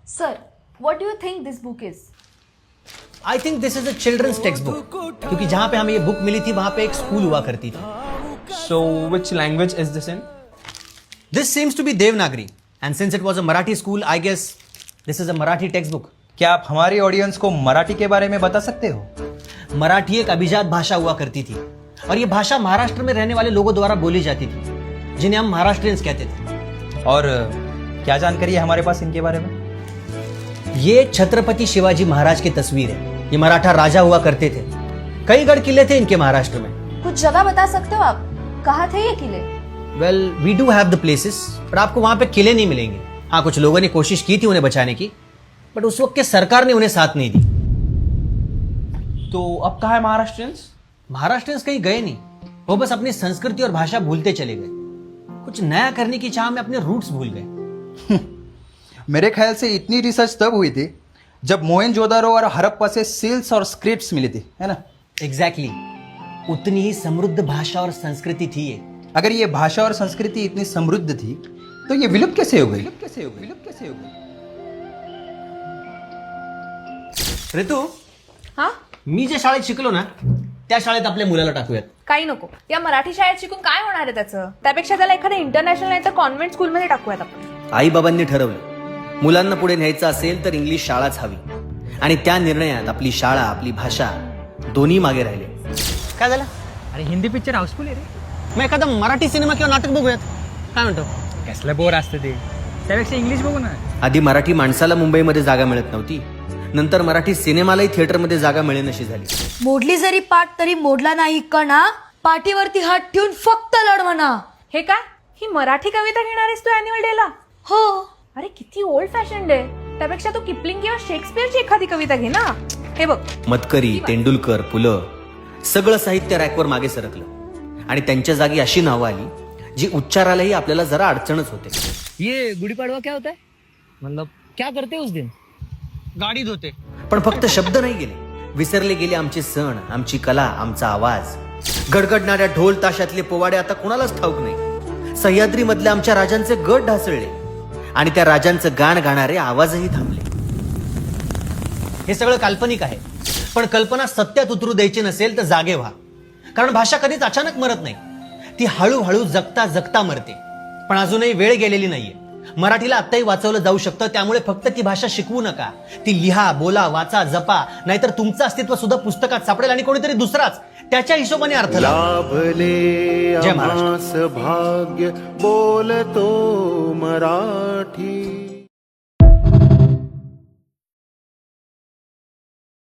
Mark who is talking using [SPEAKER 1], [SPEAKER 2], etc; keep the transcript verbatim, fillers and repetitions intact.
[SPEAKER 1] Sir, what do you think this book is?
[SPEAKER 2] I think this is a children's text book, क्योंकि जहां पे हमें ये book milli थी वहां पे एक स्कूल हुआ करती थी.
[SPEAKER 3] So, which language is this in?
[SPEAKER 2] This seems to be Devanagari, and since it was a Marathi school, I guess this is a Marathi text book.
[SPEAKER 4] क्या आप हमारी ऑडियंस को मराठी के बारे में बता सकते हो?
[SPEAKER 2] मराठी एक अभिजात भाषा हुआ करती थी, और ये भाषा महाराष्ट्र में रहने वाले लोगों द्वारा बोली जाती थी, जिन्हें हम महाराष्ट्रियंस कहते थे.
[SPEAKER 4] और क्या जानकारी है हमारे पास इनके बारे में?
[SPEAKER 2] ये छत्रपति शिवाजी महाराज की तस्वीर है. ये मराठा राजा हुआ करते थे. कई गढ़ किले थे इनके महाराष्ट्र में.
[SPEAKER 1] कुछ जगह बता सकते हो आप, कहाँ थे ये किले?
[SPEAKER 2] Well, we do have the places, पर आपको वहां पे किले नहीं मिलेंगे. हाँ, कुछ लोगों ने कोशिश की थी उन्हें बचाने की, बट उस वक्त के सरकार ने उन्हें साथ नहीं दी.
[SPEAKER 3] तो अब कहाँ है महाराष्ट्रियंस?
[SPEAKER 2] महाराष्ट्रियंस कहीं गए नहीं, वो बस अपनी संस्कृति और भाषा भूलते चले गए. कुछ नया करने की चाह में अपने रूट्स भूल गए.
[SPEAKER 4] मेरे ख्याल से इतनी रिसर्च तब हुई थी जब मोहनजोदारो और हड़प्पा से सील्स और स्क्रिप्ट्स मिली थी, है ना?
[SPEAKER 2] Exactly exactly. उतनी ही समृद्ध भाषा और संस्कृति थी ये.
[SPEAKER 4] अगर ये भाषा और संस्कृति इतनी समृद्ध थी तो ये विलुप्त कैसे हो गई? विलुप्त कैसे हो गई? विलुप्त कैसे हो गई?
[SPEAKER 2] ऋतू,
[SPEAKER 1] हा?
[SPEAKER 2] मी ज्या शाळेत शिकलो ना त्या शाळेत आपल्या मुलाला टाकूयात.
[SPEAKER 1] काही नको. या मराठी शाळेत शिकून काय होणार आहे त्याचं? त्यापेक्षा त्याला एखाद्या इंटरनॅशनल नाही तर कॉन्व्हेंट स्कूलमध्ये टाकूयात आपण.
[SPEAKER 2] आई बाबांनी ठरवलं मुलांना पुढे न्यायचं असेल तर इंग्लिश शाळाच हवी, आणि त्या निर्णयात आपली शाळा, आपली भाषा दोन्ही मागे राहिले. काय झालं?
[SPEAKER 5] अरे हिंदी पिक्चर हाऊसफुल आहे रे.
[SPEAKER 2] मग एखादा मराठी सिनेमा किंवा नाटक बघूयात. काय म्हणतो?
[SPEAKER 5] कसलं बोर असतं ते, त्यापेक्षा इंग्लिश बघू ना.
[SPEAKER 2] आधी मराठी माणसाला मुंबईमध्ये जागा मिळत नव्हती, नंतर मराठी सिनेमालाही थिएटरमध्ये जागा मिळेनशी झाली.
[SPEAKER 6] मोडली जरी पाठ तरी मोडला नाही कणा, पाठीवरती हात ठेवून फक्त लढ म्हणा.
[SPEAKER 1] हे काय? ही मराठी कविता घेणार आहेस तू अॅन्युअल डेला?
[SPEAKER 6] हो.
[SPEAKER 1] अरे किती ओल्ड फॅशन आहे. त्यापेक्षा तू किपलिंग किंवा शेक्सपियरची एखादी कविता घे ना. हे बघ,
[SPEAKER 2] मतकरी, तेंडुलकर, पुलं सगळं साहित्य रॅकवर मागे सरकलं, आणि त्यांच्या जागी अशी नावं आली जी उच्चारालाही आपल्याला जरा अडचणच होते.
[SPEAKER 5] ये गुड़ी पड़वा क्या होता है, मतलब क्या करते उस दिन?
[SPEAKER 2] गाडी धुते. पण फक्त शब्द नाही गेले, विसरले गेले आमचे सण, आमची कला, आमचा आवाज. गडगडणाऱ्या ढोल ताशातले पोवाडे आता कोणालाच ठाऊक नाही. सह्याद्री मधल्या आमच्या राजांचे गट ढासळले, आणि त्या राजांचं गाण गाणारे आवाजही थांबले. हे सगळं काल्पनिक आहे, पण कल्पना सत्यात उतरू द्यायची नसेल तर जागे व्हा. कारण भाषा कधीच अचानक मरत नाही, ती हळूहळू जगता जगता मरते. पण अजूनही वेळ गेलेली नाहीये. मराठीला आत्ताही वाचवलं जाऊ शकतं. त्यामुळे फक्त ती भाषा शिकवू नका, ती लिहा, बोला, वाचा, जपा. नाहीतर तुमचं अस्तित्व सुद्धा पुस्तकात सापडेल आणि कोणीतरी दुसराच त्याच्या हिशोबाने अर्थ
[SPEAKER 7] लाभले
[SPEAKER 2] जय महाराष्ट्र.
[SPEAKER 7] आम्हास भाग्य बोलतो मराठी.